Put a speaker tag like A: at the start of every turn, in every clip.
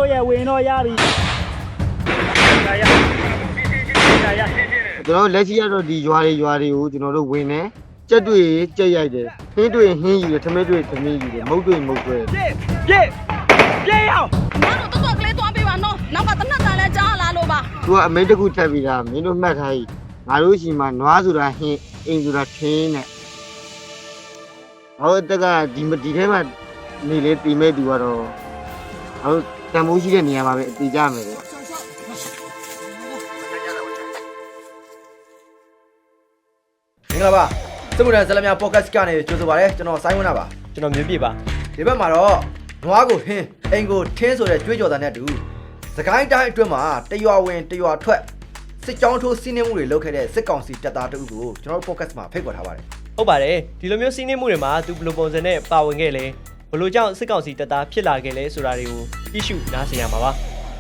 A: တို့ရဲ့ဝင်တော့ရပြီ
B: ကျွန်တော်လက်ရှိရတော့ဒီရွာတွေကိုကျွန်တော်တို့ဝင်နေကြက်တွေ့ကြက်ရိုက်တယ်ဟင်းတွေ့ဟင်းယူတယ်ထမင်းတွေ့ထမင်းယူတယ်မုတ်တွေ့မုတ်တွေ့
A: ပြေးအောင်
C: ငါတို့တော်တော်ကလေးသွားပေးပါနော်နောက်ကတနတ်တန်လဲကြားလာလို့ပါ
B: သူကအမိန့်တစ်ခုထပ်ပြီးတာမင်းတို့မှတ်ထားကြီးငါတို့ရှိမှနွားဆိုတာဟင်းအိမ်ဆိုတာထင်းနဲ့ဟောတက်ကဒီထဲမှာနေလေတီမဲ့သူကတော့ဟောတန်မိုးရှိတဲ့နေရာမှာပဲအတီးကြမယ်လေ
D: မင်္ဂလာပါစမှုတန်ဇလမြပေါ့ကတ်ကနေကြိုဆိုပါရစေကျွန်တော်ဆိုင်းဝင်းတာပါ
A: ကျွန်တော်မြင်ပြပါ
D: ဒီဘက်မှာတော့နွားကိုဟင်းအိမ်ကိုထင်းဆိုတဲ့ကြွေးကြော်တာနဲ့အတူစကိုင်းတိုင်းအတွင်းမှာတရွာဝင်တရွာထွက်စစ်ကြောင်းထိုးစီးနှင်းမှုတွေလုပ်ခဲ့တဲ့စစ်ကောင်စီတပ်သားတို့ကိုကျွန်တော်တို့ပေါ့ကတ်မှာဖိတ်ခေါ်ထားပါတယ်
A: ဟုတ်ပါတယ်ဒီလိုမျိုးစီးနှင်းမှုတွေမှာသူဘယ်လိုပုံစံနဲ့ပါဝင်ခဲ့လဲဘယ်လိုကြောင့်စစ်ကောင်စီတပ်သားဖြစ်လာခဲ့လဲဆိုတာတွေကိုကြည့်ရှုနားဆင်ရမှာပါ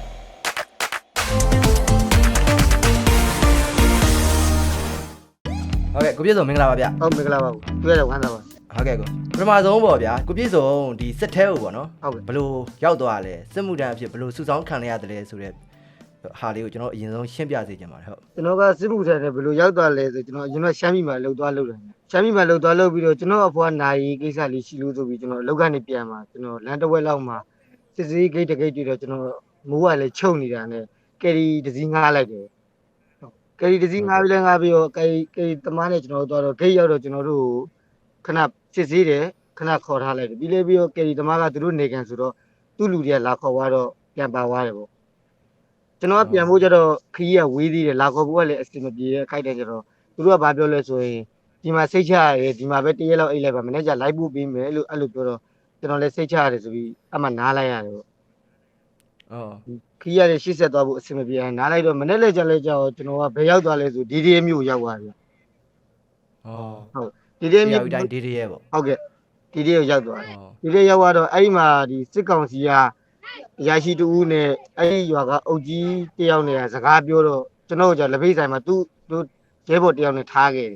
D: ဟုတ်ကဲ့ကိုပြည့်စုံမင်္ဂလာပါဗျ
B: ဟုတ်မင်္ဂလာပါတွေ့ရတော့ဝမ်းသာပါ
D: ဟုတ်ကဲ့ကိုပထမဆုံးပေါ့ဗျာကိုပြည့်စုံဒီစစ်ထဲကိုပေါ့နော်
B: ဟုတ်ကဲ့
D: ဘလို့ရောက်သွားလဲစစ်မှုတန်းအဖြစ်ဘလို့စုဆောင်းခံရရတယ်လဲဆိုတဲ့ဟာလေးကိုကျွန်တော်အရင်ဆုံးရှင်းပြစေချင်ပါတယ်ဟုတ်
B: ကျွန်တော်ကစစ်မှုထမ်းနဲ့ဘလို့ရောက်သွားလဲဆိုကျွန်တော်အရင်ကရှမ်းပြည်မှာလှုပ်သွားလှုပ်တယ်ရှမ်းပြည်မှာလှုပ်သွားလှုပ်ပြီးတော့ကျွန်တော်အဖွားနိုင်ကိစ္စလေးရှိလို့ဆိုပြီးကျွန်တော်အလုပ်ကနေပြန်มาကျွန်တော်လမ်းတစ်ဝက်လောက်မှာစစ်စေးဂိတ်တဂိတ်တွေ့တော့ကျွန်တော်မိုးကလည်းချုပ်နေတာနဲ့ကယ်ရီတစည်းငားလိုက်တယ်ကယ်ရီတစည်းငားပြီးတော့ကယ်ရီသမားနဲ့ကျွန်တော်တို့တော့ဂိတ်ရောက်တော့ကျွန်တော်တို့ခဏစစ်စေးတယ်ခဏခေါ်ထားလိုက်တယ်ပြီးတော့ကယ်ရီသမားကသူတို့နေကန်ဆိုတော့သူ့လူတွေကလာခေါ်သွားတော့ပြန်ပါသွားတယ်ပေါ့ကျွန်တော်ကပြန်ဖို့ကြတော့ခီးရဝေးသေးတယ်လာခေါ်ဖို့ကလည်းအစင်မပြေခိုက်တယ်ကြတော့သူတို့ကဘာပြောလဲဆိုရင်ဒီမှာစိတ်ချရတယ်ဒီမှာပဲတရက်လောက်အိတ်လိုက်ပါမနေ့ကလိုက်ဖို့ပြီးမယ်လို့အဲ့လိုပြောတော့ကျွန်တော်လည်းစိတ်ချရတယ်ဆိုပြီးအမှနားလိုက်ရတယ်ပေါ့ခီးရတယ်ရှေ့ဆက်သွားဖို့အစင်မပြေနားလိုက်တော့မနေ့လည်းကြလဲကြောကျွန်တော်ကဘယ်ရောက်သွားလဲဆိုဒီဒီမျိုးရောက်သွားပြီဟုတ်ဒီဒီမျိုး
D: တိုင်းဒီဒီရဲ့ပေါ့
B: ဟုတ်ကဲ့ဒီဒီရောက်သွားတယ်ဒီဒီရောက်သွားတော့အဲ့ဒီမှာဒီစစ်ကောင်စီကအရာရှိတူဦးနဲ့အဲ့ဒီရွာကအုပ်ကြီးတယောက်နဲ့စကားပြောတော့ကျွန်တော်ကလက်ဖိတ်ဆိုင်မှာသူ့ရဲဘော်တယောက်နဲ့ထားခဲ့တယ်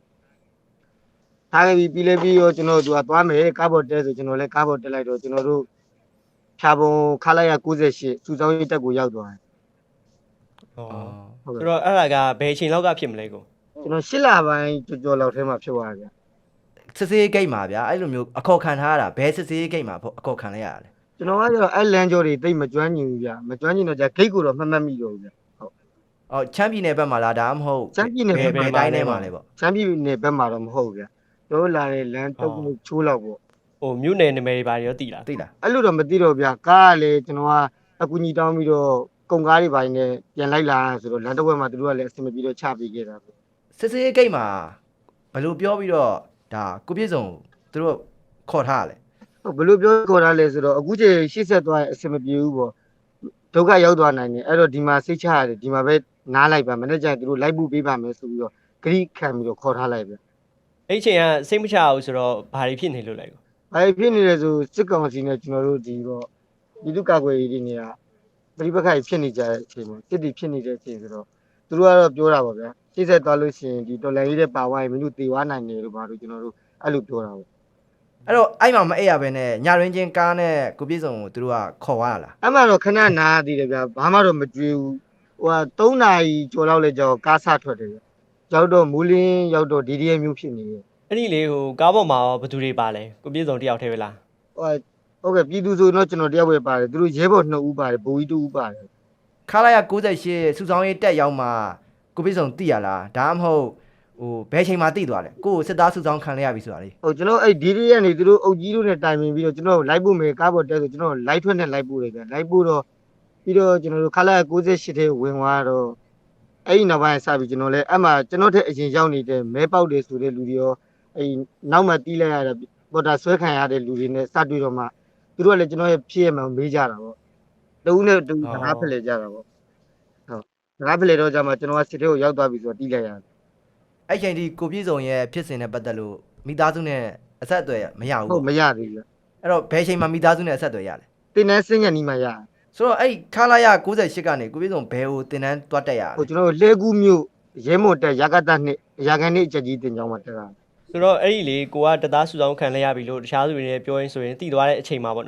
B: ထားခဲ့ပြီးရောကျွန်တော်တို့ကသွားမယ်ကားဘော်တဲဆိုကျွန်တော်လည်းကားဘော်တက်လိုက်တော့ကျွန်တော်တို့ဖြာပုံခလာရ98စုဆောင်ရေးတက်ကိုရောက်သွားတယ်
A: ဆိုတော့အဲ့ဒါကဘယ်အချိန်လောက်ကဖြစ်မလဲကို
B: ကျွန်တော်8လပိုင်းကြော်လောက်ထဲမှာဖြစ်သွားတယ်
D: စစ်စေးဂိတ်မှာဗျာအဲ့လိုမျိုးအခေါ်ခံထားရတာဘယ်စစ်စေးဂိတ်မှာအခေါ်ခံလိုက်ရတာလဲ
B: ကျွန်တော်ကကျတော့အဲ့လမ်းကျော်တွေတိတ်မကျွမ်းကျင်ဘူးဗျမကျွမ်းကျင်တော့じゃဂိတ်ကိုတော့မှတ်မိတော့ဘူးဗျဟုတ်
D: ချမ်းပြည်နယ်ဘက်မှာလားဒါမှမဟုတ်
B: ချမ်းပြည်နယ်ဘ
D: က်တိုင်းထဲမှာလဲပေါ့
B: ချမ်းပြည်နယ်ဘက်မှာတော့မဟုတ်ဘူးဗျတို့လာတဲ့လမ်းတုတ်ချိုးလောက်ပေါ့
A: ဟိုမြို့နယ်နာမည်တွေဘာတွေရောသိလား
D: အဲ့
B: လိုတော့မသိတော့ဗျကားကလည်းကျွန်တော်ကအကူကြီးတောင်းပြီးတော့ကုန်ကားတွေပိုင်းနဲ့ပြန်လိုက်လာဆိုတော့လမ်းတစ်ဝက်မှာတို့ကလည်းအဆင်မပြေတော့ချပေးခဲ့တာပေါ့
D: စစ်စေးဂိတ်မှာဘယ်လိုပြောပြီးတော့ဒါကိုပြည့်စုံတို့ခေါ်ထားရလဲ
B: ဘယ်လိုပြောခေါ်ထားလဲဆိုတော့အခုချိန်ရှေ့ဆက်သွားရင်အဆင်မပြေဘူးပေါ့ဒုက္ခရောက်သွားနိုင်တယ်အဲ့တော့ဒီမှာစိတ်ချရတယ်ဒီမှာပဲနားလိုက်ပါမနေ့ကျရင်တို့လိုက်ဖို့ပေးပါမယ်ဆိုပြီးတော့ဂရိခံပြီးတော့ခေါ်ထားလိုက်ပဲ
A: အဲ့ချိန်ကစိတ်မချဘူးဆိုတော့ဘာတွေဖြစ်နေလို့လဲကို
B: ဘာတွေဖြစ်နေလဲဆိုစစ်ကောင်စီနဲ့ကျွန်တော်တို့ဒီတော့ဒီလူကာကွယ်ရေးတွေနေရာပြိပခိုင်ဖြစ်နေကြတဲ့အချိန်မှာစစ်တီဖြစ်နေတဲ့အချိန်ဆိုတော့သူတို့ကတော့ပြောတာပါဗျာရှေ့ဆက်သွားလို့ရှိရင်ဒီတော်လန်ရေးတဲ့ပါဝါရင်မင်းတို့တေဝါနိုင်တယ်လို့ဘာလို့ကျွန်တော်တို့အဲ့လိုပြောတာပေါ့
D: အဲ့တော့အဲ့မှာမအိပ်ရဘဲနဲ့ညရင်းချင်းကားနဲ့ကိုပြည့်စုံကိုသူတို့ကခေါ်သွားလား
B: အဲ့မှာတော့ခဏနားသေးတယ်ဗျာဘာမှတော့မကြွေးဘူးဟိုက3နာရီကျော်လောက်လဲကြောက်ကားဆထွက်တယ်ဗျရောက်တော့မူလင်းရောက်တော့ဒီဒီရဲ့မျိုးဖြစ်နေတယ်
A: အဲ့ဒီလေဟိုကားပေါ်မှာဘယ်သူတွေပါလဲကိုပြည့်စုံတယောက်တည်းပဲလား
B: ဟုတ်ကဲ့ပြည်သူဆိုတော့ကျွန်တော်တယောက်ပဲပါတယ်သူတို့ရဲဘော်2ဦးပါတယ်ဘိုးကြီး2ဦးပါတယ်
D: ခလာရ98စုဆောင်ရေးတက်ရောက်မှကိုပြည့်စုံသိရလားဒါမှမဟုတ်ဟိုဘယ်ချိန်မှသိသွားလဲကိုစစ်သားစုဆောင်ခံရပြီဆိုတာလေ
B: ဟုတ်ကျွန်တော်အဲ့ဒီဒီကနေသူတို့အုပ်ကြီးတို့နဲ့တိုင်ပင်ပြီးတော့ကျွန်တော်လိုက်ဖို့မယ်ကားပေါ်တက်ဆိုကျွန်တော်လိုက်ထွက်နဲ့လိုက်ဖို့လေဗျလိုက်ဖို့တော့ပြီးတော့ကျွန်တော်တို့ခလာရ98ထဲဝင်သွားတော့အဲ့ဒီနောက်ပိုင်းစပြီးကျွန်တော်လည်းအဲ့မှာကျွန်တော်တဲ့အရင်ရောက်နေတဲ့မဲပေါက်တွေဆိုတဲ့လူတွေရောအဲ့နောက်မှတီးလိုက်ရတဲ့ပေါ်တာဆွဲခံရတဲ့လူတွေနဲ့စတွေ့တော့မှသူတို့ကလည်းကျွန်တော်ရဲ့ဖြစ်ရမှမေးကြတာပေါ့တဦးနဲ့တူစကားဖလှယ်ကြတာပေါ့ဟုတ်စကားဖလှယ်တော့ကြမှာကျွန်တော်ကစစ်ထဲကိုရောက်သွားပြီဆိုတော့တီးလိုက်ရတယ်
D: အဲ့ချိန်ဒီကိုပြည့်စုံရဲ့ဖြစ်စဉ်နဲ့ပတ်သက်လို့မိသားစုနဲ့အဆက်အသွယ်မရဘူး
B: ဟုတ်မရသေးဘူး
D: အဲ့တော့ဘယ်ချိန်မှမိသားစုနဲ့အဆက်အသွယ်ရလဲ
B: တင်တန်းစင်းညနီးမှရ
D: ဆိုတော့အဲ့ခလာရ98ကနေကိုပြည့်စုံဘယ်ကိုတင်တန်းတွတ်တက်ရလဲ
B: ဟိုကျွန်တော်လှဲကူးမြို့ရဲမွန်တက်ရကတနှစ်ရာခံနှစ်အချက်ကြီးတင်ကြောင်းမှာတက်တာ
A: ဆိုတော့အဲ့ဒီလေကိုကတသားစုဆောင်ခံလိုက်ရပြီလို့တခြားသူတွေနဲ့ပြောရင်းဆိုရင်တည်သွားတဲ့အချိန်မှာပေါ့နော်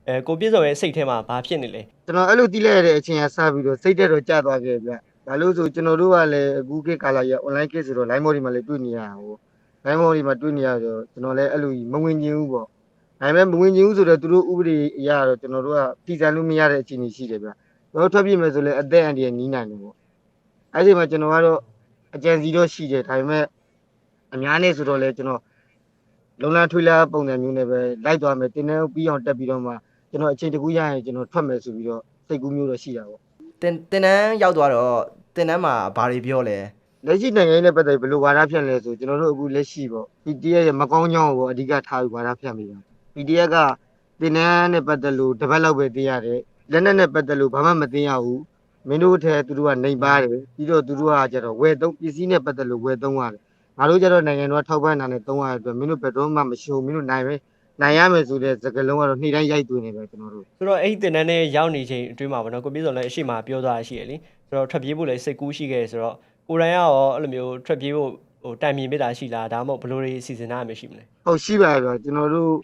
A: ကိုပြည့်စုံရဲ့စိတ်ထဲမှာဘာဖြစ်နေလဲ
B: ကျွန်တော်အဲ့လိုတီးလိုက်ရတဲ့အချိန်ကစပြီးတော့စိတ်တက်တော့ကြာသွားခဲ့ဗျဘာလို့ဆိုကျွန်တော်တို့ကလည်းအခုခေတ်ကာလကြီး online ခေတ်ဆိုတော့ line mode တွေမှာလည်းတွေ့နေရတာဟို line mode တွေမှာတွေ့နေရတော့ကျွန်တော်လည်းအဲ့လိုမဝင်ကျင်ဘူးပေါ့ဒါပေမဲ့မဝင်ကျင်ဘူးဆိုတော့သူတို့ဥပဒေအရတော့ကျွန်တော်တို့ကပြည်စံလို့မရတဲ့အခြေအနေရှိတယ်ဗျကျွန်တော်ထွက်ပြေးမယ်ဆိုလည်းအသက်အန္တရာယ်နီးနိုင်တယ်ပေါ့အဲ့ဒီမှာကျွန်တော်ကတော့အကြံစီတော့ရှိတယ်ဒါပေမဲ့အများနဲ့ဆိုတော့လည်းကျွန်တော်လုံလန်းထွေးလာပုံစံမျိုးနဲ့ပဲလိုက်သွားမယ်တင်းနှန်းပြီးအောင်တက်ပြီးတော့မှကျွန်တော်အချိန်တကူရရင်ကျွန်တော်ထွက်မယ်ဆိုပြီးတော့စိတ်ကူးမျိုးတော့ရှိတာပေါ့
D: တင်တန်းရောက်သွားတော့တင်တန်းမှာဘာတွေပြောလဲ
B: လက်ရှိနိုင်ငံရေးနဲ့ပတ်သက်ပြီးဘယ်လိုဝါဒဖြန့်လဲဆိုကျွန်တော်တို့အခုလက်ရှိပေါ့ PDF ရဲ့မကောင်းကြောင်းကိုအဓိကထားပြီးဝါဒဖြန့်ပြီးတာ PDF ကတင်နန်းနဲ့ပတ်သက်လို့တစ်ပတ်လောက်ပဲသိရတယ်လက်နက်နဲ့ပတ်သက်လို့ဘာမှမသိရဘူးမင်းတို့ထဲသူတို့ကနေပါတယ်ပြီးတော့သူတို့ကကျတော့ဝယ်သုံးပစ္စည်းနဲ့ပတ်သက်လို့ဝယ်သုံးရတယ်ငါတို့ကျတော့နိုင်ငံတော်ထောက်ပံ့တာနဲ့သုံးရတဲ့အတွက်မင်းတို့ဘယ်တော့မှမရှိဘူးမင်းတို့နိုင်ရမယ်ဆိုတဲ့စကားလုံးကတော့နေ့တိုင်းရိုက်သွင်းနေပဲကျွန်တော်တို့
A: ဆိုတော့အဲ့ဒီတင်တန်းနဲ့ရောက်နေချိန်အတွင်းမှာပေါ့နော်ကိုပြည့်စုံလည်းအရှိမပြောသွားရှိရလေဆိုတော့ထွက်ပြေးဖို့လည်းစိတ်ကူးရှိခဲ့ဆိုတော့ကိုရိုင်းကရောအဲ့လိုမျိုးထွက်ပြေးဖို့ဟိုတိုင်မြင်ပေးတာရှိလားဒါမှမဟုတ်ဘယ်လိုတွေစီစဉ်ထားမှရှိမလဲ
B: ဟုတ်ရှိပါရဲ့ကျွန်တော်တို့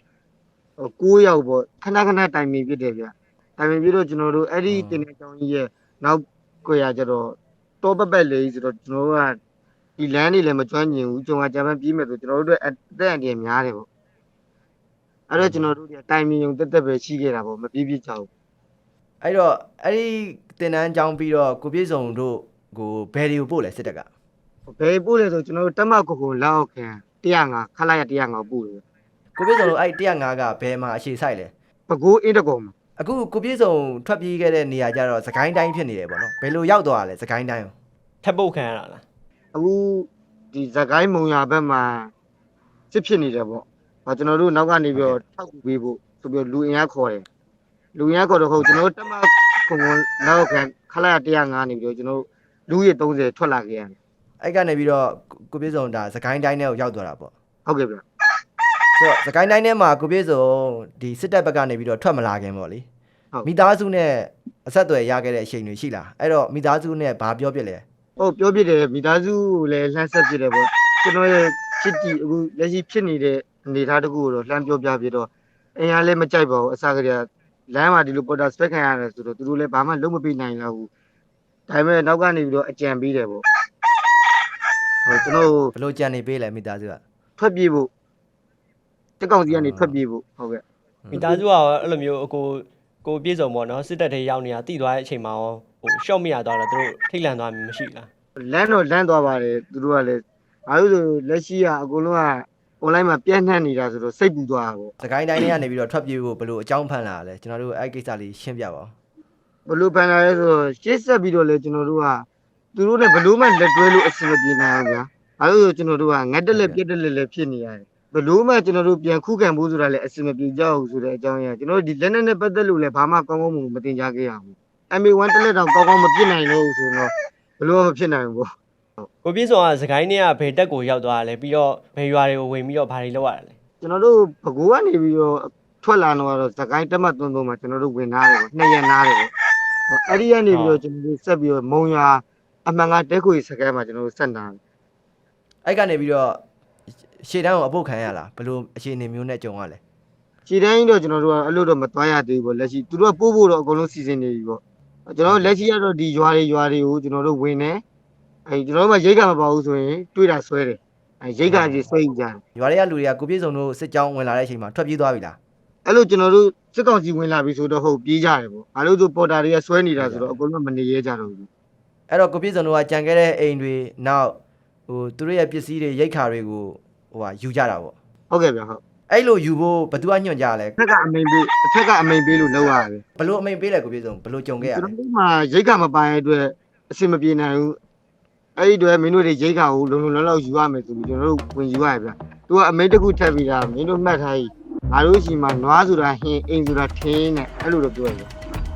B: 9ယောက်ပေါ့ခဏတိုင်ပင်ဖြစ်တယ်ဗျတိုင်ပင်ပြီးတော့ကျွန်တော်တို့အဲ့ဒီတင်တဲ့ကြောင်းကြီးရဲ့နောက်ကိုရကျတော့တောပက်လေးဆိုတော့ကျွန်တော်တို့ကဒီလမ်းတွေလည်းမကျွမ်းကျင်ဘူးကျွန်တော်ဂျပန်ပြေးမယ်ဆိုကျွန်တော်တို့အသက်အန္တရာယ်များတယ်ပေါ့အဲ့တော့ကျွန်တော်တို့ကတိုင်ပင်ုံတက်ပဲရှိခဲ့တာပေါ့မပြေးကြဘူး
D: အဲ့တော့အဲ့ဒီတင်တန်းကြောင်းပြီးတော့ကိုပြည့်စုံတို့ကိုဘယ်တွေကိုပို့လဲစစ်တပ်က
B: ဘယ်ပို့လဲဆိုကျွန်တော်တို့တက်မကိုလောက်အောင်ခံ105ခလာရ105ပို့တယ်
D: ကိုပြည့်စုံတို့အဲ့105ကဘယ်မှာအခြေဆိုင်လဲ
B: ပကိုးအင်းတကုံမှာ
D: အခုကိုပြည့်စုံထွက်ပြေးခဲ့တဲ့နေရာကျတော့စကိုင်းတိုင်းဖြစ်နေတယ်ပေါ့နော်ဘယ်လိုရောက်သွားလဲစကိုင်းတိုင်းရော
A: ထပ်ပုတ်ခံရတာလား
B: အခုဒီဇကိုင်းမုံရဘက်မှာစစ်ဖြစ်နေတယ်ပေါ့ကျွန်တော်တို့နောက်ကနေပြီးတော့ထောက်ကူပေးဖို့ဆိုပြီးလူအင်အားခေါ်တယ်လူအင်အားခေါ်တော့ဟုတ်ကျွန်တော်တို့တက်မကုံလောက်ခံခလာ105နေပြီးတော့ကျွန်တော်လူရ30ထွက်လာခဲ့ရတယ်
D: အဲ့ကနေပြီးတော့ကိုပြည့်စုံဒါစကိုင်းတိုင်းထဲကိုရောက်သွားတာပေါ့
B: ဟုတ်ကဲ့ဗျ
D: ဆိုတော့စကိုင်းတိုင်းထဲမှာကိုပြည့်စုံဒီစစ်တပ်ဘက်ကနေပြီးတော့ထွက်မလာခင်ပေါ့လေမိသားစုနဲ့အဆက်အသွယ်ရခဲ့တဲ့အချိန်တွေရှိလားအဲ့တော့မိသားစုနဲ့ဘာပြောပြလဲ
B: ဟုတ်ပြောပြတယ်မိသားစုကိုလည်းလှမ်းဆက်ပြတယ်ပေါ့ကျွန်တော်ရဲ့ချစ်တီအခုလက်ရှိဖြစ်နေတဲ့အနေအထားတခုကိုတော့လှမ်းပြောပြပြတော့အင်အားလည်းမကြိုက်ပါဘူးအစားကလေးလမ်းမှာဒီလိုပေါ်တာစပက်ခံရတယ်ဆိုတော့သူတို့လည်းဘာမှလုံးမပေးနိုင်တော့ဘူးဒါပေမဲ့နောက်ကနေပြီးတော့အကြံပေးတယ်ပေါ့ဟုတ်ကျွန်တော်
D: ဘယ်လိုကြံနေပေးလဲမိသားစုက
B: ထွက်ပြေးဖို့တက်ကောင်စီကနေထွက်ပြေးဖို့ဟုတ်ကဲ့
A: မိသားစုကရောအဲ့လိုမျိုးကိုပြည့်စုံပေါ့နော်စစ်တပ်ထဲရောက်နေတာတိသွားတဲ့အချိန်မှာရောဟိုရှော့မရသွားတော့သူတို့ထိတ်လန့်သွားမှမရှိလား
B: လမ်းတော့လမ်းသွားပါတယ်သူတို့ကလည်းဘာလို့ဆိုလက်ရှိကအကုန်လုံးက online မှာပြန့်နှံ့နေတာဆိုတော့စိတ်ပူသွားတာပေါ့
D: စကိုင်းတိုင်းထဲကနေပြီးတော့ထွက်ပြေးဖို့ဘယ်လိုအကြောင်းဖန်လာလဲကျွန်တော်တို့အဲ့ကိစ္စလေးရှင်းပြပါဦး
B: ဘလို့ပန်လာလဲဆိုတော့ရှေ့ဆက်ပြီးတော့လေကျွန်တော်တို့ကသူတို့နဲ့ဘလို့မှလက်တွဲလို့အဆင်မပြေနိုင်ဘူးဗျာဘာလို့ဆိုကျွန်တော်တို့ကငတ်တက်လက်ပြက်တက်လက်ဖြစ်နေရတယ်ဘလို့မှကျွန်တော်တို့ပြန်ခုခံဖို့ဆိုတာလည်းအဆင်မပြေကြဘူးဆိုတဲ့အကြောင်းအရာကျွန်တော်တို့ဒီလက်နက်နဲ့ပတ်သက်လို့လည်းဘာမှကောင်းကောင်းမတင်ကြခဲ့ရဘူး MA1 တက်လက်တော့ကောင်းကောင်းမပြစ်နိုင်လို့ဆိုတော့ဘလို့မှမဖြစ်နိုင်ဘူးပေါ့
A: ကိုပြည့်စုံကစကိုင်းနဲ့ကဘယ်တက်ကိုရောက်သွားလဲပြီးတော့ဘယ်ရွာတွေကိုဝင်ပြီးတော့ဘာတွေလုပ်ရတာလဲ
B: ကျွန်တော်တို့ဘကိုးကနေပြီးတော့ထွက်လာတော့စကိုင်းတက်မှတ်သုံးမှာကျွန်တော်တို့ဝင်သားတယ်ပေါ့2ရက်နားတယ်ပေါ့အဲ့ဒီကနေပြီးတော့ကျွန်တော်တို့ဆက်ပြီးတော့မုံရွာအမှန်ကတဲခွေစကဲမှာကျွန်တော်တို့ဆက်တာ
D: အဲ့ကနေပြီးတော့ရှေ့တန်းကိုအပုတ်ခံရလားဘယ်လိုအခြေအနေမျိုးနဲ့ကြုံရလဲ
B: ခြေတန်းကြီးတော့ကျွန်တော်တို့ကအဲ့လိုတော့မသွားရသေးဘူးပေါ့လက်ရှိသူတို့ကပို့ဖို့တော့အကုန်လုံးစီစဉ်နေပြီပေါ့ကျွန်တော်တို့လက်ရှိကတော့ဒီရွာတွေကိုကျွန်တော်တို့ဝင်နေအဲ့ကျွန်တော်တို့မှရိတ်ကမပါဘူးဆိုရင်တွေးတာဆွဲတယ်အဲ့ရိတ်ကကြီးဆွဲကြတယ်
D: ရွာတွေကလူတွေကကိုပြည့်စုံတို့စစ်ကြောင်းဝင်လာတဲ့အချိန်မှာထွက်ပြေးသွားပြီလား
B: အဲ့လိုကျွန်တော်တို့စစ်ကောင်စီဝင်လာပြီဆိုတော့ဟုတ်ပြေးကြတယ်ပေါ့ဘာလို့ဆိုပေါ်တာတွေကဆွဲနေတာဆိုတော့အကုန်လုံးမနေရဲကြတော့ဘူး
D: အဲ့တော့ကိုပြည့်စုံတို့ကကြံခဲ့တဲ့အိမ်တွေနောက်ဟိုသူတို့ရဲ့ပစ္စည်းတွေရိတ်ခါတွေကိုဟိုဟာယူကြတာပေါ့
B: ဟုတ်ကဲ့ဗျဟုတ်
D: အဲ့လိုယူဖို့ဘယ်သူကညွှန်ကြလဲ
B: အထက်ကအမိန်ပေးလို့လောက်ရတယ်
D: ဘယ်လိုအမိန်ပေးလဲကိုပြည့်စုံဘယ်လိုကြုံခဲ့ရ
B: ကျွန်
D: လဲ
B: တော်တို့မှရိတ်ကမပိုင်အတွက်အဆင်မပြေနိုင်ဘူးအဲ့ဒီတွေမင်းတို့တွေရိတ်ကကိုလုံလုံလောက်ယူရမယ်ဆိုပြီးကျွန်တော်တို့ဝင်ယူရတယ်ဗျသူကအမိန်တစ်ခုထပ်ပြီးတာမင်းတို့မှတ်ထားကြီးငါတို့ရှိမှနွားဆိုတာဟင်းအိမ်ဆိုတာထင်းနဲ့အဲ့လိုတော့ပြောရတယ်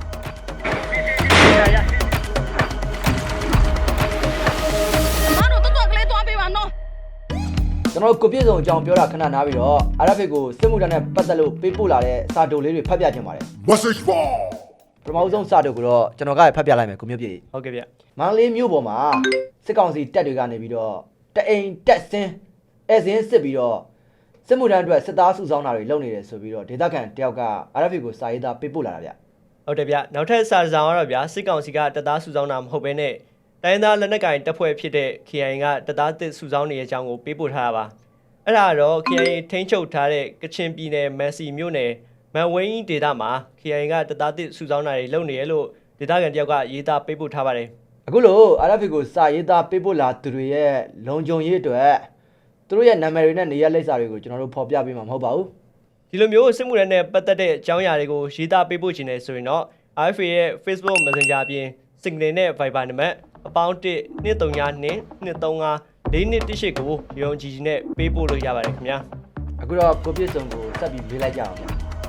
C: မတို့တော်ကလေးသွားပေးပါနော်
D: ကျွန်တော်တို့ကိုပြည့်စုံအကြောင်းပြောတာခဏနားပြီးတော့အာရဖိတ်ကိုစစ်မှုထမ်းနဲ့ပတ်သက်လို့ပေးပို့လာတဲ့စာတုပ်လေးတွေဖတ်ပြခြင်းပါတယ်
E: Message ball.
D: ပထမဆုံးစာတုပ်ကိုတော့ကျွန်တော်ကဖတ်ပြလိုက်မယ်ကိုမျိုးပြည့်
A: ဟုတ်ကဲ့ဗျ
D: မန္တလေးမြို့ပေါ်မှာစစ်ကောင်စီတပ်တွေကနေပြီးတော့တအိမ်တက်ဆင်းအဲဆင်းစစ်ပြီးတော့စစ်မှုထမ်းအတွက်စစ်သားစုဆောင်းတာတွေလုပ်နေတယ်ဆိုပြီးတော့ဒေသခံတယောက်က RFA ကိုစာရေးသားပေးပို့လာတာဗျ
A: ဟုတ်တယ်ဗျနောက်ထပ်စာဆောင်ကတော့ဗျစစ်ကောင်စီကတပ်သားစုဆောင်းတာမဟုတ်ဘဲနဲ့တိုင်းသားလက်နက်ကိုင်တပ်ဖွဲ့ဖြစ်တဲ့ KIA ကတပ်သားတစ်စုဆောင်းနေတဲ့အကြောင်းကိုပေးပို့ထားတာပါအဲ့ဒါတော့ KIA ထိန်းချုပ်ထားတဲ့ကချင်ပြည်နယ်မန်စီမြို့နယ်မန်ဝင်းဒေသမှာ KIA ကတပ်သားတစ်စုဆောင်းတာတွေလုပ်နေရလို့ဒေသခံတယောက်ကရေးသားပေးပို့ထားပါတယ်
D: အခုလို RFA ကိုစာရေးသားပေးပို့လာသူတွေရဲ့လုံခြုံရေးအတွက်သူတို့ရဲ့နာမည်တွေနဲ့နေရာလိပ်စာတွေကိုကျွန်တော်တို့ဖော်ပြပေးမှာမဟုတ်ပါဘူး
A: ဒီလိုမျိုးစစ်မှုထမ်းနဲ့ပတ်သက်တဲ့အကြောင်းအရာတွေကိုရေးသားပေးပို့ခြင်းနဲ့ဆိုရင်တော့ RFA ရဲ့ Facebook Messenger အပြင် Signal နဲ့ Viber နံပါတ်အပေါင်း1 232 235 4218ကိုရုံကြည်ကြည်နဲ့ပေးပို့လို့ရပါတယ်ခင်ဗျာ
D: အခုတော့ကိုပြည့်စုံကိုဆက်ပြီးမေးလိုက်ကြအောင်ဗျာ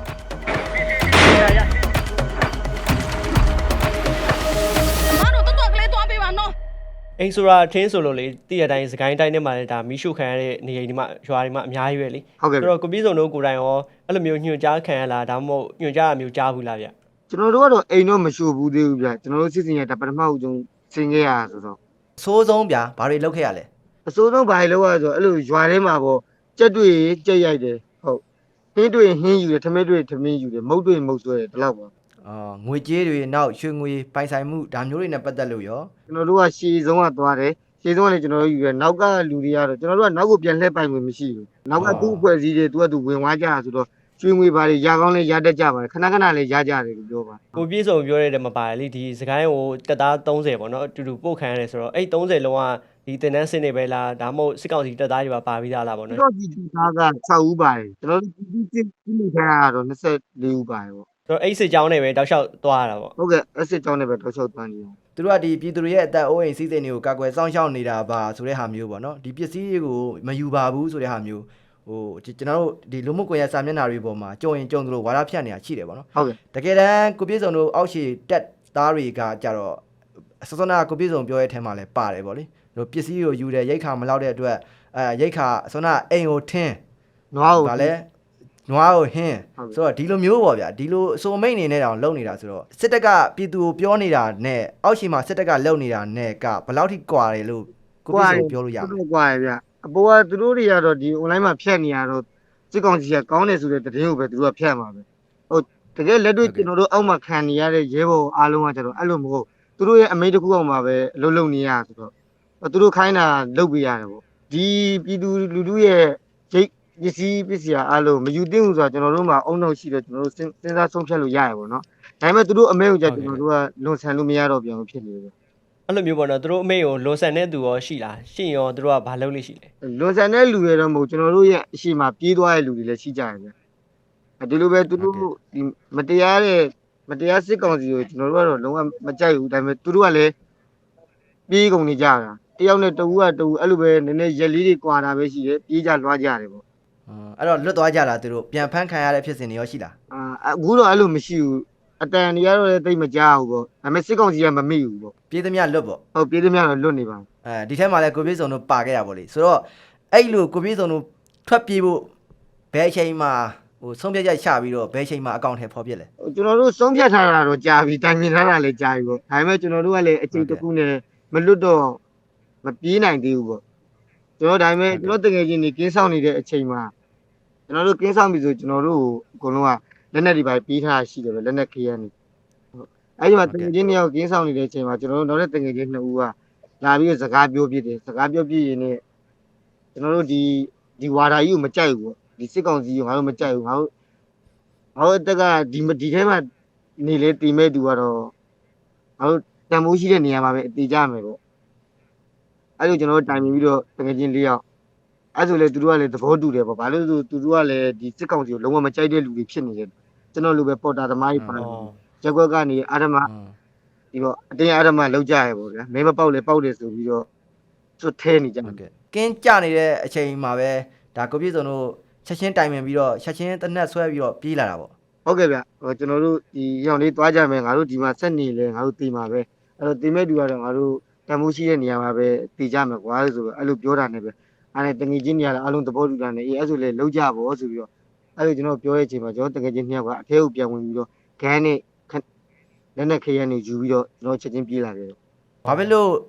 C: မတို့တော်ကလေးသွားပေးပါနော်
A: အိမ်ဆိုတာထင်းဆိုလို့လေတည့်ရတိုင်းစကိုင်းတိုင်းထဲမှာလည်းဒါမီးရှို့ခံရတဲ့နေရာဒီမှာရွာတွေမှာအများကြီးပဲလေ
B: ဟုတ်ကဲ့
A: ဆိုတော့ကိုပြည့်စုံတို့ကိုယ်တိုင်ရောအဲ့လိုမျိုးညွှန်ကြားခံရလားဒါမှမဟုတ်ညွှန်ကြားတာမျိုးကြားဘူးလားဗျ
B: ကျွန်တော်တို့ကတော့အိမ်တော့မရှိဘူးသေးဘူးဗျကျွန်တော်တို့စစ်စင်ရတာပထမဦးဆုံးဆင်ခဲ့ရဆိုတော့
D: အဆိုးဆုံးဗျာဘာတွေလုပ်ခဲ့ရလဲ
B: အစိုးဆုံးဘာလို့လဲဆိုတော့အဲ့လိုရွာထဲမှာပေါ့ကြက်တွေကြက်ရိုက်တယ်ဟုတ်ဟင်းတွေဟင်းယူတယ်ထမင်းတွေထမင်းယူတယ်မုတ်တွေမုတ်ဆွဲတယ်ဒီလောက်ပါ
D: ငွေကြေးတွေနောက်ရွှေငွေပိုင်ဆိုင်မှုဒါမျိုးတွေနဲ့ပတ်သက်လို့ရော
B: ကျွန်တော်တို့ကရှည်ဆုံးကသွားတယ်ရှည်ဆုံးကလည်းကျွန်တော်တို့ယူတယ်နောက်ကလူတွေကတော့ကျွန်တော်တို့ကနောက်ကိုပြန်လှည့်ပိုင်ဝင်မရှိဘူးနောက်ကသူ့အဖွဲ့အစည်းတွေသူကသူဝင်သွားကြတာဆိုတော့ကျွေးငွေပါတွေရကောင်းလဲရတတ်ကြပါတယ်ခဏခဏလေးရကြတယ်လို့ပြောပါ
A: ကိုပြည့်စုံပြောရတဲ့မှာပါတယ်လေဒီစကိုင်းကိုတက်သား30ပေါ့နော်အတူတူပို့ခံရတယ်ဆိုတော့အဲ့30လုံးကဒီတင်တန်းစင်းနေပဲလားဒါမှမဟုတ်စစ်ကောင်စီတက်သားတွေပါပြီးသားလားပေါ့နော်
B: တော့ဒီသားက6ဦးပါတယ်ကျွန်တော်တို့ဒီစစ်ထားတာတော့24ဦးပါတယ်ပေါ့
A: ဆိုတော့အဲ့စစ်ကြောင်းနဲ့ပဲတောက်လျှောက်သွားရတာပေါ့
B: ဟုတ်ကဲ့အစ်စ်ကြောင်းနဲ့ပဲတော့ချုပ်သွားနေတယ်
D: သူတို့ကဒီပြည်သူတွေရဲ့အသက်အိုးအိမ်စီးစိမ်တွေကိုကာကွယ်စောင့်ရှောက်နေတာပါဆိုတဲ့ဟာမျိုးပေါ့နော်ဒီပစ္စည်းတွေကိုမယူပါဘူးဆိုတဲ့ဟာမျိုးဟိုကျွန်တော်တို့ဒီလူမှုကွန်ရက်စာမျက်နှာတွေပေါ်မှာကြုံရင်ကြုံသလိုဝါဒဖြန့်နေတာရှိတယ်ပေါ့နော်
B: ဟုတ်ကဲ့
D: တကယ်တမ်းကိုပြည့်စုံတို့အောက်ခြေတက်သားတွေကကြတော့စစနာကိုပြည့်စုံပြောရဲထဲမှာလည်းပါတယ်ပေါ့လေတို့ပစ္စည်းကိုယူတယ်ရိတ်ခါမလောက်တဲ့အတွက်ရိတ်ခါစစနာအိမ်ကိုထင်း
B: နွားကို
D: ဗာလဲနွားကိုဟင်းဆိုတော့ဒီလိုမျိုးပေါ့ဗျာဒီလိုအစုံမိတ်အနေနဲ့တောင်လုံနေတာဆိုတော့စစ်တပ်ကပြည်သူကိုပြောနေတာနဲ့အောက်ခြေမှာစစ်တပ်ကလုံနေတာနဲ့ကဘယ်လောက်ထိကွာတယ်လို့ကိုပြည့်စုံပြောလို့ရ
B: သူ
D: မလဲ
B: တို့ကွာရဗျအပေါ်ကသူတို့တွေကတော့ဒီ online မှာဖြတ်နေရတော့စစ်ကောင်စီကကောင်းတယ်ဆိုတဲ့သတင်းကိုပဲသူတို့ကဖြတ်မှာပဲဟုတ်တကယ်လက်တွေ့ကျွန်တော်တို့အောက်မှာခံနေရတဲ့ရဲဘော်အားလုံးကကျတော့အဲ့လိုမဟုတ်သူတို့ရဲ့အမိန့်တစ်ခုအောက်မှာပဲအလုပ်လုပ်နေရဆိုတော့သူတို့ခိုင်းတာလုပ်ပေးရတယ်ပေါ့ဒီပြည်သူလူထုရဲ့ရိတ်ပစ္စည်းအားလုံးမယူသင့်ဘူးဆိုတာကျွန်တော်တို့မှာအုံနောက်ရှိတယ်ကျွန်တော်တို့စဉ်းစားဆုံးဖြတ်လို့ရရပေါ့နော်ဒါပေမဲ့သူတို့အမိန့်ကိုကြကျွန်တော်တို့ကလွန်ဆန်လို့မရတော့ပြန်ဘူးဖြစ်နေတယ်
A: အဲ့လိုမျိုးပေါ့နော်သူတို့အမိတ်ကိုလွန်ဆန်တဲ့သူရောရှိလားရှိရင်ရောသူတို့ကဘာလုပ်လို့ရှိလဲ
B: လွန်ဆန်တဲ့လူတွေတော့မဟုတ်ကျွန်တော်တို့ရဲ့အရှိမပြေးသွားတဲ့လူတွေလည်းရှိကြတယ်ဗျဒီလိုပဲသူတို့ဒီမတရားစစ်ကောင်စီကိုကျွန်တော်တို့ကတော့လုံးဝမကြိုက်ဘူးဒါပေမဲ့သူတို့ကလည်းပြေးကုန်နေကြတာတယောက်နဲ့တဦးကတဦးအဲ့လိုပဲနည်းနည်းရက်လေးတွေကွာတာပဲရှိတယ်ပြေးကြလွှားကြတယ်ပေါ့
D: အဲ့တော့လွတ်သွားကြလားသူတို့ပြန်ဖမ်းခံရတဲ့ဖြစ်စဉ်တွေရောရှိလား
B: အခုတော့အဲ့လိုမရှိဘူးအတန်တွေကတော့လည်းတိတ်မကြဘူးပေါ့ဒါပေမဲ့စစ်ကောင်စီကမမိဘူးပေါ့
D: ပြည်သူများလွတ်ပေါ့
B: ဟုတ်ပြေးသမျှတော့လွတ်နေပါ
D: ဒီထဲမှာလည်းကိုပြည့်စုံတို့ပါခဲ့ရပါလေဆိုတော့အဲ့လိုကိုပြည့်စုံတို့ထွက်ပြေးဖို့ဘယ်အချိန်မှာဟိုဆုံးဖြတ်ချက်ချပြီးတော့ဘယ်အချိန်မှာအကောင့်ထဲဖော်ပြလဲ
B: ကျွန်တော်တို့ဆုံးဖြတ်ထားတာတော့ကြာပြီတိုင်ပင်ထားတာလည်းကြာပြီပေါ့ဒါပေမဲ့ကျွန်တော်တို့ကလည်းအချိန်တစ်ခုနဲ့မလွတ်တော့မပြေးနိုင်သေးဘူးပေါ့ကျွန်တော်ဒါပေမဲ့ကျွန်တော်တကယ်ချင်းနေကင်းဆောင်နေတဲ့အချိန်မှာကျွန်တော်တို့ကင်းဆောင်ပြီဆိုကျွန်တော်တို့အကုန်လုံးကလက်နက်တွေပါပြေးထားရှိတယ်ပဲလက်နက်ခေးရနေအဲ့ဒီမှာတကယ်ချင်းနှစ်ယောက်ကင်းဆောင်နေတဲ့အချိန်မှာကျွန်တော်တို့နောက်တဲ့တကယ်ချင်းနှစ်ဦးကလာပြီးတော့စကားပြောပြတယ်စကားပြောပြရင်းနဲ့ကျွန်တော်တို့ဒီဝါဒါကြီးကိုမကြိုက်ဘူးပေါ့ဒီစစ်ကောင်စီကိုငါတို့မကြိုက်ဘူးငါတို့တက်ကဒီထဲမှာနေလေတီမဲ့သူကတော့ငါတို့တန်မိုးရှိတဲ့နေရာမှာပဲအတီးကြမယ်ပေါ့အဲ့လိုကျွန်တော်တို့တိုင်ပြီးတော့တကယ်ချင်း၄ယောက်အဲ့ဆိုလေသူတို့ကလည်းသဘောတူတယ်ပေါ့ဘာလို့ဆိုသူတို့ကလည်းဒီစစ်ကောင်စီကိုလုံးဝမကြိုက်တဲ့လူတွေဖြစ်နေတယ်ကျွန်တော်လိုပဲပေါ်တာသမားကြီးပါရက်ကွက်ကနေအာရမဒီပေါ့အတင်းအာရမလောက်ကြရပေါ့ဗျာမင်းမပေါက်လေပေါက်တယ်ဆိုပြီးတော့သူထဲနေကြတယ်
D: ကင်းကြနေတဲ့အချိန်မှာပဲဒါကိုပြည့်စုံတို့ချက်ချင်းတိုင်ပင်ပြီးတော့ချက်ချင်းတနက်ဆွဲပြီးတော့ပြေးလာတာပေါ့
B: ဟုတ်ကဲ့ဗျကျွန်တော်တို့ဒီရောင်လေးသွားကြမယ်ငါတို့ဒီမှာဆက်နေလဲငါတို့တီမှာပဲအဲ့တော့တီမဲ့တူကတော့ငါတို့တန်မိုးရှိတဲ့နေရာမှာပဲတီကြမယ်ကွာဆိုတော့အဲ့လိုပြောတာနဲ့ပဲအဲ့ဒါတငယ်ချင်းနေရာအလုံးသဘောတူတာနဲ့အေးအဲ့ဆိုလေလောက်ကြပေါ့ဆိုပြီးတော့အဲ့လိုကျွန်တော်ပြောရဲ့အချိန်မှာကျွန်တော်တငယ်ချင်းနှစ်ယောက်ကအထဲကိုပြန်ဝင်ပြီးတော့ဂန်းနဲ့လက်နဲ့ခရမ်းနေယူပြီးတော့ကျွန်တော်ချက်ချင်းပြေးလာတယ်
D: ဘာဖြစ်လို့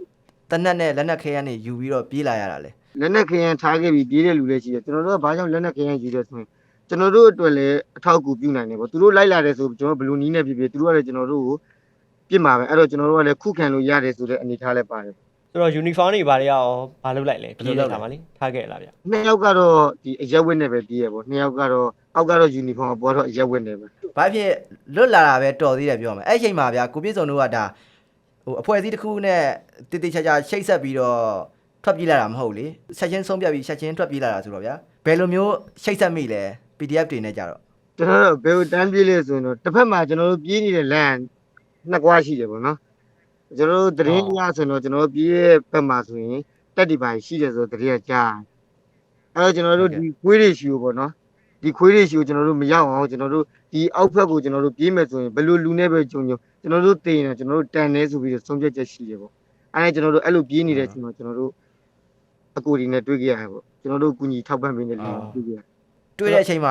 D: တနက်နဲ့လက်နက်ခဲရနေယူပြီးတော့ပြေးလာရတာလဲ
B: လက်နက်ခရမ်းထားခဲ့ပြီးပြေးတဲ့လူလည်းရှိတယ်ကျွန်တော်တို့ကဘာကြောင့်လက်နက်ခရမ်းယူတယ်ဆိုရင်ကျွန်တော်တို့အတွက်လည်းအထောက်အကူပြုနိုင်တယ်ပေါ့သူတို့လိုက်လာတယ်ဆိုကျွန်တော်ဘလူးနီးနဲ့ဖြစ်ဖြစ်သူတို့ကလည်းကျွန်တော်တို့ကိုပြစ်မှာပဲအဲ့တော့ကျွန်တော်တို့ကလည်းခုခံလို့ရတယ်ဆိုတဲ့အနေထားလည်းပါတယ်
A: ဆိုတော့ uniform တွေဘာတွေရောဘာလုပ်လိုက်လဲပြေးလိုက်တာပါလေထားခဲ့လားဗျ
B: နှစ်ယောက်ကတော့ဒီအရက်ဝတ်နဲ့ပဲပြေးရပေါ့နှစ်ယောက်ကတော့အောက်ကတော့ယူနီဖောင်းပေါ်တော့အရက်ဝတ်နဲ့ပဲ
D: ဘာဖြစ်လွတ်လာတာပဲတော်သေးတယ်ပြောမယ်အဲ့အချိန်မှာဗျာကိုပြည့်စုံတို့ကဒါဟိုအဖွဲ့အစည်းတစ်ခုနဲ့တိတိကျကျချိတ်ဆက်ပြီးတော့ထွက်ပြေးလာတာမဟုတ်လေဆက်ချင်းဆုံးပြပြီးဆက်ချင်းထွက်ပြေးလာတာဆိုတော့ဗျာဘယ်လိုမျိုးချိတ်ဆက်မိလဲ PDF တွေနဲ့ကြတော့
B: ကျွန်တော်တို့ဘယ်လိုတန်းပြေးလဲဆိုရင်တော့တစ်ဖက်မှာကျွန်တော်တို့ပြေးနေတဲ့လမ်းနှစ်ကွာရှိတယ်ပေါ့နော်ကျွန်တော်တို့တရင်ရဆိုတော့ကျွန်တော်တို့ပြေးရဲ့ဘက်မှာဆိုရင်တက်ဒီပိုင်းရှိတယ်ဆိုတော့တရင်ကြားအဲ့တော့ကျွန်တော်တို့ဒီခွေးတွေရှိကိုပေါ့နော်ဒီခွေးတွေရှိကိုကျွန်တော်တို့မရောက်အောင်ကျွန်တော်တို့ဒီအောက်ဖက်ကိုကျွန်တော်တို့ပြေးမယ်ဆိုရင်ဘယ်လိုလူနဲ့ပဲကြုံကျွန်တော်တို့တင်တယ်ကျွန်တော်တို့တန်နေဆိုပြီးတော့ဆုံးဖြတ်ချက်ရှိတယ်ပေါ့အဲ့ဒါကျွန်တော်တို့အဲ့လိုပြေးနေတဲ့အချိန်မှာကျွန်တော်တို့အကူဒီနဲ့တွေ့ကြရတယ်ပေါ့ကျွန်တော်တို့ကူညီထောက်ပံ့ပေးနေတယ်တွေ့ကြရ
D: တွေ့တဲ့အချိန်မှာ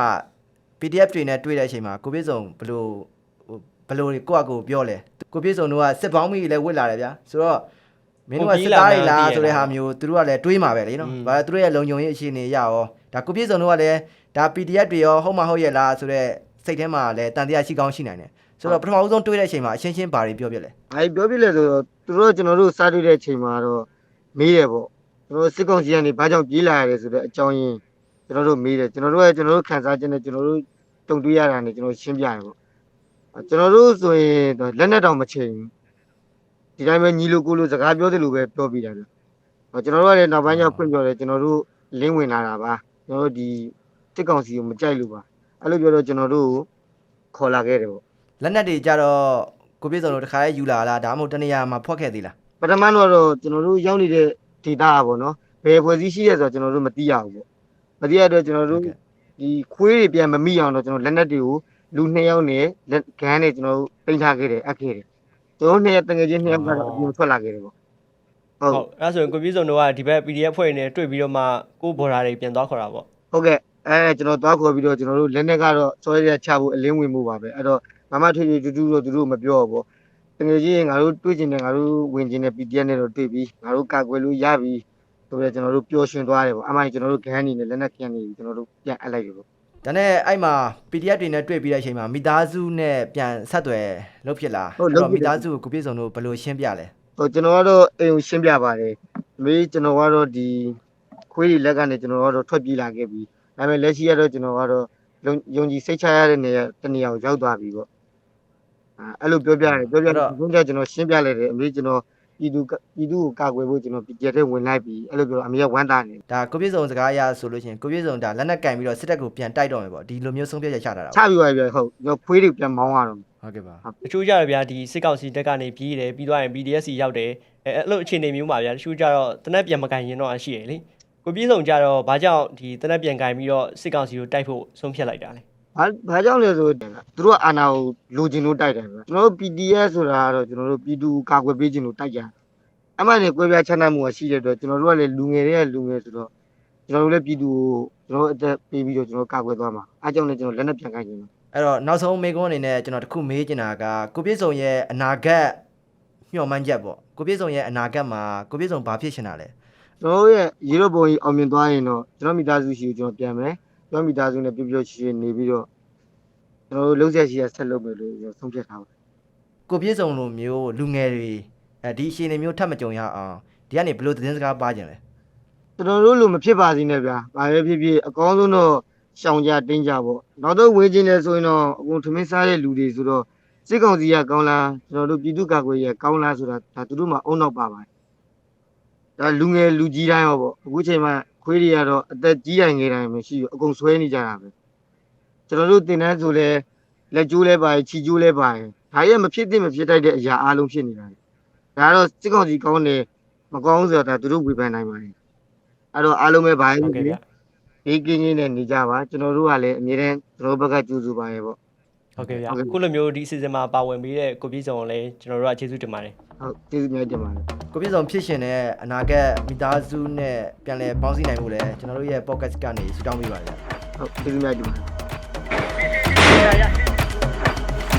D: PDF တွေနဲ့တွေ့တဲ့အချိန်မှာကိုပြည့်စုံဘလို့ကိုယ့်အကိုပြောလဲကိုပြည့်စုံတို့ကစစ်ပေါင်းမိလည်းဝစ်လာတယ်ဗျာဆိုတော့မင်းတို့ကစစ်သားတွေလားဆိုတဲ့ဟာမျိုးသူတို့ကလည်းတွေးမှာပဲလေနော်ဘာသူတို့ရဲ့လုံခြုံရေးအခြေအနေရရောဒါကိုပြည့်စုံတို့ကလည်းဒါ PDF တွေရောဟုတ်မဟုတ်ရဲ့လားဆိုတော့စိတ်ထဲမှာလည်းတန်တရားရှိကောင်းရှိနိုင်တယ်ဆိုတော့ပထမဦးဆုံးတွေးတဲ့အချိန်မှာအရှင်းရှင်းဘာတွေပြောပြလဲ
B: အဲ့ပြောပြလဲဆိုတော့သူတို့ကျွန်တော်တို့စားတွေ့တဲ့အချိန်မှာတော့မေးတယ်ပေါ့ကျွန်တော်စစ်ကောင်စီကနေဘာကြောင့်ပြေးလာရတယ်ဆိုတဲ့အကြောင်းရင်းကျွန်တော်တို့မေးတယ်ကျွန်တော်တို့ခံစားခြင်းနဲ့ကျွန်တော်တို့တုံ့တွေးရတာနဲ့ကျွန်တော်ရှင်းပြတယ်ပေါ့ကျွန်တော်တို့ဆိုရင်လက်နဲ့တောင်မချိန်ဒီတိုင်းပဲညီလိုကိုလိုစကားပြောတယ်လို့ပဲပြောပြတာဗျကျွန်တော်တို့ကလည်းနောက်ပိုင်းကျဖွင့်ပြောတယ်ကျွန်တော်တို့လင်းဝင်လာတာပါကျွန်တော်တို့ဒီစစ်ကောင်စီကိုမကြိုက်လို့ပါအဲ့လိုပြောတော့ကျွန်တော်တို့ခေါ်လာခဲ့တယ်ပေါ့
D: လက်နက်တွေကြတော့ကိုပြည့်စုံတို့တခါလေးယူလာလားဒါမှမဟုတ်တနေရာမှာဖွက်ခဲ့သေးလား
B: ပထမတော့ကျွန်တော်တို့ရောက်နေတဲ့ဒေတာပေါ့နော်ဘယ်ဖွဲ့စည်းရှိရဲဆိုတော့ကျွန်တော်တို့မသိရဘူးပေါ့မသိရတော့ကျွန်တော်တို့ဒီခွေးတွေပြန်မမိအောင်တော့ကျွန်တော်လက်နက်တွေကိုလူ2ယောက်နဲ့လက်ဂန်းနဲ့ကျွန်တော်တို့ပိတ်ထားခဲ့တယ်အပ်ခဲ့တယ်ကျွန်တော်2ယောက်တငယ်ချင်း2ယောက်ကတော့အပြင်ထွက်လာခဲ့တယ်ပေါ့ဟုတ်
A: ဟုတ်အဲ့ဆိုရင်ကိုပြည့်စုံတို့ကဒီဘက် PDF ဖွဲ့နေတွေ့ပြီးတော့မှကိုဘော်ဒါတွေပြန်သွားခေါ်တာပေါ့
B: ဟုတ်ကဲ့ကျွန်တော်သွားခေါ်ပြီးတော့ကျွန်တော်တို့လက်နက်ကတော့စောရရချဖို့အလင်းဝင်မှုပါပဲအဲ့တော့မမထွေထွေတူတူတော့သူတို့မပြောဘူးပေါ့တကယ်ကြီးငါတို့တွေ့ကျင်တယ်ငါတို့ဝင်ကျင်တယ် PDF နဲ့တော့တွေ့ပြီးငါတို့ကာကွယ်လို့ရပြီဆိုတော့ကျွန်တော်တို့ပျော်ရွှင်သွားတယ်ပေါ့အမှန်ကျွန်တော်တို့ဂန်းနေနဲ့လက်နက်ကန်နေကျွန်တော်တို့ပြန်အပ်လိုက်ပြီပေါ့
D: ဒါနဲ့အဲ့မှာ PDF တွေနဲ့တွေ့ပြီးတဲ့အချိန်မှာမိသားစုနဲ့ပြန်ဆက်သွယ်လုပ်ဖြစ်လားအဲ့တော့မိသားစုကိုပြည့်စုံတို့ဘယ်လိုရှင်းပြလဲ
B: ဟိုကျွန်တော်ကတော့အိမ်ကိုရှင်းပြပါတယ်မေးကျွန်တော်ကတော့ဒီခွေးတွေလက်ကနေကျွန်တော်ကတော့ထွက်ပြေးလာခဲ့ပြီဒါပေမဲ့လက်ရှိကတော့ကျွန်တော်ကတော့ယုံကြည်စိတ်ချရတဲ့နေရာတနေရာကိုရောက်သွားပြီပေါ့အဲ့လိုပြောပြတယ်ပြောပြတော့ဘုန်းကြီးကျွန်တော်ရှင်းပြလိုက်တယ်အမေကျွန်တော်ပြည်သူကိုကာကွယ်ဖို့ကျွန်တော်ပြည်တဲ့ဝင်လိုက်ပြီအဲ့လိုပြောအမေကဝမ်းသာနေ
D: ဒါကိုပြည့်စုံစကားအရဆိုလို့ရှိရင်ကိုပြည့်စုံဒါလက်နက်ကင်ပြီးတော့စစ်တပ်ကိုပြန်တိုက်တော့မယ်ပေါ့ဒီလိုမျိုးဆုံးဖြတ်ချက်ချတာတာ
B: ချပြီးပါပြီဟုတ်ကျွန်တော်ခွေးတွေပြန်မောင်းရတော့
D: ဟုတ်ကဲ့ပါ
A: တချို့ကြတော့ဗျာဒီစစ်ကောင်စီတက်ကနေပြေးတယ်ပြီးသွားရင် BDS ရောက်တယ်အဲ့လိုအခြေအနေမျိုးမှာဗျာတချို့ကြတော့တနက်ပြန်မကန်ရင်တော့ရှိရလေကိုပြည့်စုံကြတော့ဘာကြောင့်ဒီတနက်ပြန်ကန်ပြီးတော့စစ်ကောင်စီကိုတိုက်ဖို့ဆုံးဖြတ်လိုက်တာလဲ
B: ဘာကြောင့်လဲဆိုသူတို့ကအာဏာကိုလိုချင်လို့တိုက်တယ်ဗျကျွန်တော်တို့ PDF ဆိုတာကတော့ကျွန်တော်တို့ပြည်သူကာကွယ်ပေးခြင်းလို့တိုက်ကြအမှန်နဲ့ကွဲပြားချမ်းသာမှုကရှိတဲ့အတွက်ကျွန်တော်တို့ကလည်းလူငယ်တွေကလူငယ်ဆိုတော့ကျွန်တော်တို့လည်းပြည်သူကိုကျွန်တော်အသက်ပေးပြီးတော့ကျွန်တော်ကာကွယ်သွားမှာအားကြောင့်လည်းကျွန်တော်လက်နက်ပြန်ခိုင်းခြင်း
D: အဲ့တော့နောက်ဆုံးမေကွန်းအနေနဲ့ကျွန်တော်တခုမေးချင်တာကကိုပြည့်စုံရဲ့အနာဂတ်ညှော်မှန်းချက်ပေါ့ကိုပြည့်စုံရဲ့အနာဂတ်မှာကိုပြည့်စုံဘာဖြစ်ချင်တာလဲ
B: ကျွန်တော်ရဲ့ရေတော့ပုံကြီးအောင်မြင်သွားရင်တော့ကျွန်တော်မိသားစုရှိကိုကျွန်တော်ပြန်မယ်ကျွန်တော်မိသားစုနဲ့ပြပြချီချီနေပြီးတော့ကျွန်တော်တို့လုံးဆက်ရှိရဆက်လုပ်မယ်လို့ကျွန်တော်ဆုံးဖြတ်ထားပါတယ်
D: ကိုပြည့်စုံလိုမျိုးလူငယ်တွေဒီအရှင်တွေမျိုးထပ်မကြုံရအောင်ဒီကနေဘယ်လိုသတင်းစကားပါကြလဲ
B: ကျွန်တော်တို့လိုမဖြစ်ပါစေနဲ့ဗျာဘာပဲဖြစ်ဖြစ်အကောင်းဆုံးတော့ရှောင်ကြတင်းကြပေါ့နောက်တော့ဝေးခြင်းလဲဆိုရင်တော့အကုန်ထမင်းစားတဲ့လူတွေဆိုတော့စစ်ကောင်စီကကောင်းလားကျွန်တော်တို့ပြည်သူ့ကာကွယ်ရေးကောင်းလားဆိုတာဒါသူတို့မှအုံနောက်ပါပါတယ်ဒါလူငယ်လူကြီးတိုင်းရောပေါ့အခုချိန်မှာခွေးတွေကတော့အသက်ကြီးတိုင်းငယ်တိုင်းမရှိဘူးအကုန်ဆွဲနေကြတာပဲကျွန်တော်တို့တင်တန်းဆိုလဲလက်ကျိုးလဲပါတယ်ခြေကျိုးလဲပါတယ်ဒါရဲ့မဖြစ်သင့်မဖြစ်တိုက်တဲ့အရာအလုံးဖြစ်နေတာဒါကတော့စစ်ကောင်စီကောင်းတယ်မကောင်းဆိုတာဒါသူတို့ဝေဖန်နိုင်ပါတယ်အဲ့တော့အားလုံးပဲပါလို့ဘေးကင်းချင်းနဲ့နေကြပါကျွန်တော်တို့ကလည်းအမြဲတမ်းကျွန်တော်ဘက်ကကြိုးစားပါရဲ့ပေါ့
A: ဟုတ်ကဲ့ဗျာအခုလိုမျိုးဒီအစီအစဉ်မှာပါဝင်ပြီးတဲ့ကိုပြည့်စုံကိုလည်းကျွန်တော်တို့ကကျေးဇူးတင်ပါတယ်
B: ဟုတ်ကျေးဇူးများတင်ပါတယ်
D: ကိုပြည့်စုံဖြစ်ရှင်တဲ့အနာဂတ်မိသားစုနဲ့ပြန်လည်ပေါင်းစည်းနိုင်မှုလဲကျွန်တော်တို့ရဲ့ podcast ကနေဆုတောင်းပေးပါဗျာ
B: ဟုတ်ကျေးဇူးများတင်ပါတယ်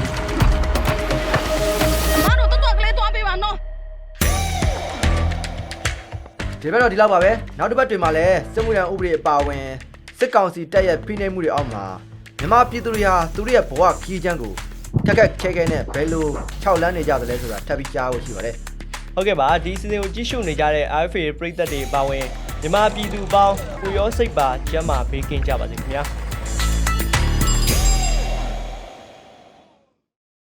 C: မတို့တော့ကလေးသွားပေးပါနော်
D: ဒီဘက်တော့ဒီလောက်ပါပဲနောက်တစ်ပတ်တွင်မှာလည်းစစ်မှုရန်ဥပဒေအပါအဝင်စစ်ကောင်စီတပ်ရဲ့ဖိနှိပ်မှုတွေအောက်မှာမြန်မာပြည်သူတွေဟာသူတို့ရဲ့ဘဝခီးချမ်းကိုထက်ခက်ခဲခဲနဲ့ဘယ်လို6လမ်းနေကြသလဲဆိုတာထပ်ပြီးကြားဖို့ရှိပါတယ်
A: ဟုတ်ကဲ့ပါဒီစီစဉ်ကိုကြည့်ရှုနေကြတဲ့ RFA ပရိသတ်တွေပါဝင်မြန်မာပြည်သူပေါင်းကိုရောစိတ်ပါကျမ်းမာဘေးကင်းကြပါစေခင်ဗျာ